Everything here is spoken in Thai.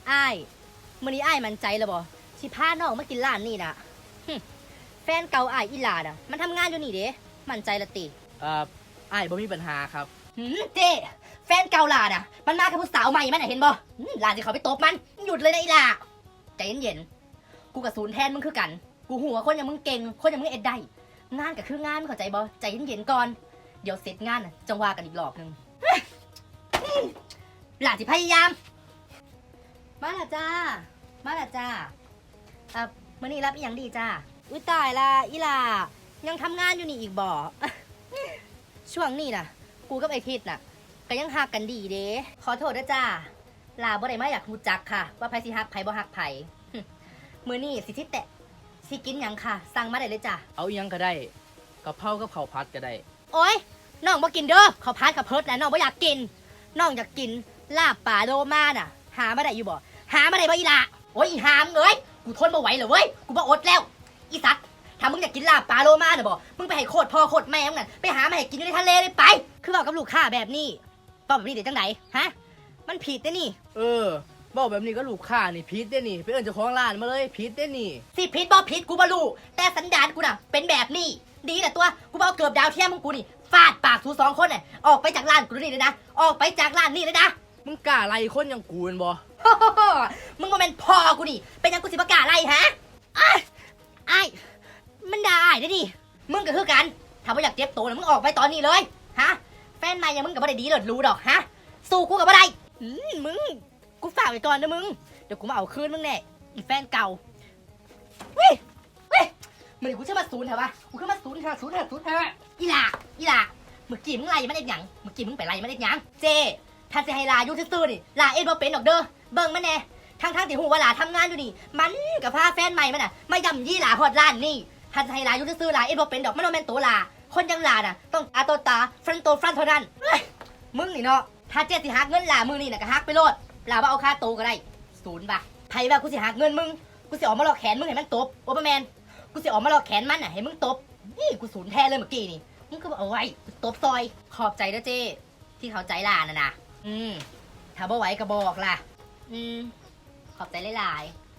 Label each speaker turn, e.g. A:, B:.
A: อ้ายมื้อนี้อ้ายมั่นใจแล้วบ่สิพาน้องมากินร้านนี่น่ะแฟนเก่าอ้ายอีหลาน่ะมันทำงานอยู่นี่เด้มั่นใจละติ
B: อ้ายบ่มีปัญหาครับ
A: เจ้แฟนเก่าหลาน่ะมันมากับผู้สาวใหม่มันน่ะเห็นบ่หลานสิเขาไปตบมันหยุดเลยนะอีหลาใจเย็นๆกูกับศูนย์แทนมึงคือกันกูหัวคนอย่างมึงเก่งคนอย่างมึงเอ็ดได้งานก็คืองานเข้าใจบ่ใจเย็นๆก่อนเดี๋ยวเสร็จงานน่ะจังว่ากันอีกรอบนึงหลานสิพยายามมาละจ้ามื้อนี้รับอีหยังดีจ้าอุ้ยตายละอีหล่ายังทำงานอยู่นี่อีกบ่ ช่วงนี้น่ะกูกับไอ้ทิดน่ะก็ยังฮักกันดีเด้ขอโทษด้วยจ้าลาบ่ได้มาอยากรู้จักค่ะว่าไผสิฮักไผบ่ฮักไผ มื้อนี้สิทิแตะสิกินหยังค่ะสั่งมาได้เลยจ้า
B: เอาอีหยังก็ได้กะเพรากับข้าวผัดก็ได้
A: โอ๊ยน้องบ่กินเด้อข้าวผัดกับเพิดน่ะน้องบ่อยากกินน้องอยากกินลาบป่าโลมาน่ะหามาได้อยู่บ่หามาได้บ่อีหล่าโอ๊ยอีหามเอ้ยกูทนบ่ไหวแล้วเว้ยกูบ่อดแล้วอีสัตว์ถ้ามึงอยากกินลาบปลาโลมาน่ะบ่มึงไปให้โคตรพ่อโคตรแม่มึงน่ะไปหามาให้กินอยู่ในทะเลเลยไปคือบอกกับลูกค้าแบบนี้ตอบแบบนี้ได้จังไดฮะมันผิดเด้นี่
B: บอกแบบนี้ก็ลูกค้านี่ผิดเด้นี่ไปเอิ้นเจ้าของร้านมาเลยผิดเด้นี่
A: สิผิดบ่ผิดกูบ่รู้แต่สันดานกูน่ะเป็นแบบนี้ดีแหละตัวกูบ่เอาเกือบดาวเทียมมึงกูนี่ฟาดปากทู2คนน่ะออกไปจากร้านกูนี่เลยนะออกไปจากร้านนี่เลยนะ
B: มึงกล้าไล่คนอย่างกูแม่นบ่
A: มึงบ่แม่นพ่อกูนี่เป็นหยังกูสิบ่กล้าไล่ฮะอ้ายมันด่าอ้ายได้ดิมึงก็คือกันถ้าบ่อยากเจ็บตัวน่ะมึงออกไปตอนนี้เลยฮะแฟนใหม่ยังมึงก็บ่ได้ดีเลิศรู้ดอกฮะสู้กูก็บ่ได้มึงกูฝากไว้ก่อนนะมึงเดี๋ยวกูมาเอาคืนมึงแน่อีแฟนเก่าเว้ยมื้อนี้กูจะมาศูนย์เหรอวะกูขึ้นมาศูนย์เถอะอีหล่าเมื่อกี้มึงไล่มันได้หยังเมื่อกี้มึงไปไล่มันได้หยังเจถ้าสิให้ลาอยู่ซื่อๆนี่ลาเอ็ดบ่เป็นดอกเด้อเบิ่งมันแน่ทั้งที่ฮู้ว่าลาทำงานอยู่นี่มันกับพาแฟนใหม่มันน่ะมาย่ำยี่ลาฮอดร้านนี่ถ้าสิให้ลาอยู่ซื่อๆลาเอ็ดบ่เป็นดอกมันบ่แม่นตัวลาคนอยังลาน่ะต้องตาต่อตาฟันต่อฟันเท่านั้นมึงนี่เนาะถ้าเจ๊สิหักเงินลามื้อนี่น่ะก็หักไปโลดลาบ่เอาค่าโตก็ได้0 บาทไผว่ากูสิหักเงินมึงกูสิออกมาลอกแขนมึงให้มันตบโอเปอร์แมนกูสิออกมาลอกแขนมันน่ะให้มึงตบนี่กูศูนย์แท้เลยเมื่อกี้นี่มึงก็เอาไว้ตบซอยขอบใจเด้อเจ้ที่เข้าใจลาน่ะนะถ้าบ่ไหวก็บอกล่ะขอบใจหลายๆ